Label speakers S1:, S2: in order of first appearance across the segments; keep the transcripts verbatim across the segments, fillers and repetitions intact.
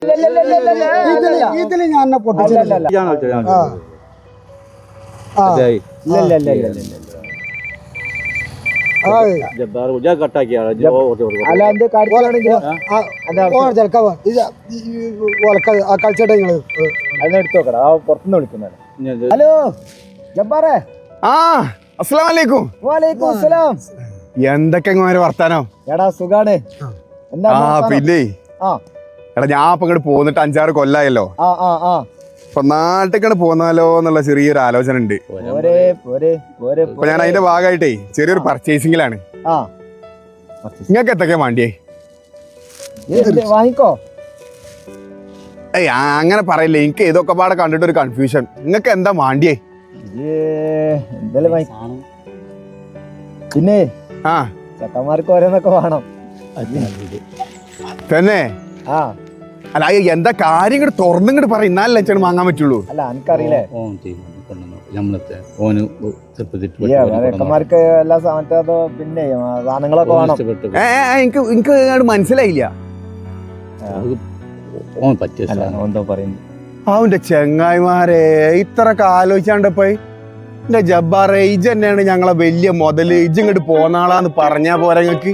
S1: ഇതില് ഞാൻ കളിച്ചോട്ടെ നിങ്ങള്
S2: അതിനെടുത്തോക്കടാ പുറത്തുനിന്ന് വിളിക്കുന്ന. ഹലോ ജബ്ബാറേ.
S3: ആ അസ്സലാമു അലൈക്കും.
S2: വലൈക്കും അസ്സലാം.
S3: എന്തൊക്കെ വർത്താനോ?
S2: എടാ സുഖാണ്.
S3: ആ പിന്നെ എടാ ഞാൻ ഇപ്പൊ ഇങ്ങോട്ട് പോന്നിട്ട് അഞ്ചാറ് കൊല്ലായല്ലോ.
S2: ആ ആ ആ
S3: ഇപ്പൊ നാട്ടിൽ പോന്നാലോ എന്നുള്ള ചെറിയൊരു ആലോചന ഉണ്ട്. ഇപ്പൊ ഞാൻ അതിന്റെ ഭാഗമായിട്ടേ ചെറിയൊരു പർച്ചേസിംഗിലാണ്. നിങ്ങൾക്ക് എന്തൊക്കെയാ വേണ്ടിയേ?
S2: വാങ്ങിക്കോ.
S3: ഏയ് അങ്ങനെ പറയില്ലേ, എനിക്ക് ഇതൊക്കെ പാടെ കണ്ടിട്ട് ഒരു കൺഫ്യൂഷൻ. നിങ്ങൾക്ക് എന്താ വേണ്ടിയേ?
S2: പിന്നെ
S3: ആ
S2: ചക്കന്മാർക്ക് ഓരോന്നൊക്കെ വേണം
S3: തന്നെ.
S2: ആ
S3: അല്ല എന്താ കാര്യം ഇങ്ങോട്ട് തുറന്നിങ്ങോട്ട് പറ, എന്നാലല്ലേ അച്ഛന് വാങ്ങാൻ പറ്റുള്ളൂ.
S2: അല്ല എനിക്കറിയില്ലേ ചക്കന്മാർക്ക് എല്ലാ സാധനത്തോ പിന്നെ സാധനങ്ങളൊക്കെ വേണം.
S3: എനിക്ക് എനിക്ക് മനസ്സിലായില്ല അവന്റെ ചെങ്ങായിമാരെ ഇത്രയൊക്കെ ആലോചിച്ചാണ്ടപ്പോ എന്റെ ജബ്ബാറെ ഇജ് തന്നെയാണ് ഞങ്ങളെ വലിയ മുതല്, ഇജ് ഇങ്ങോട്ട് പോന്നാളാന്ന് പറഞ്ഞാ പോരാ ഞങ്ങക്ക്.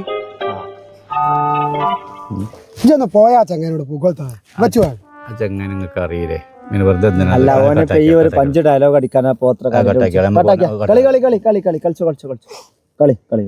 S1: ഇജൊന്ന് പോയാ ചങ്ങനോട് പൂക്കോളത്താ വെച്ചു
S4: ചങ്ങനെ നിങ്ങൾക്ക് അറിയില്ലേ?
S2: അല്ല ഓനെ ഈ ഒരു പഞ്ച് ഡയലോഗ് അടിക്കാനാ പോത്ര കളി കളി കളി കളി കളി കളിച്ചു കളിച്ചു കളിച്ചു കളി കളി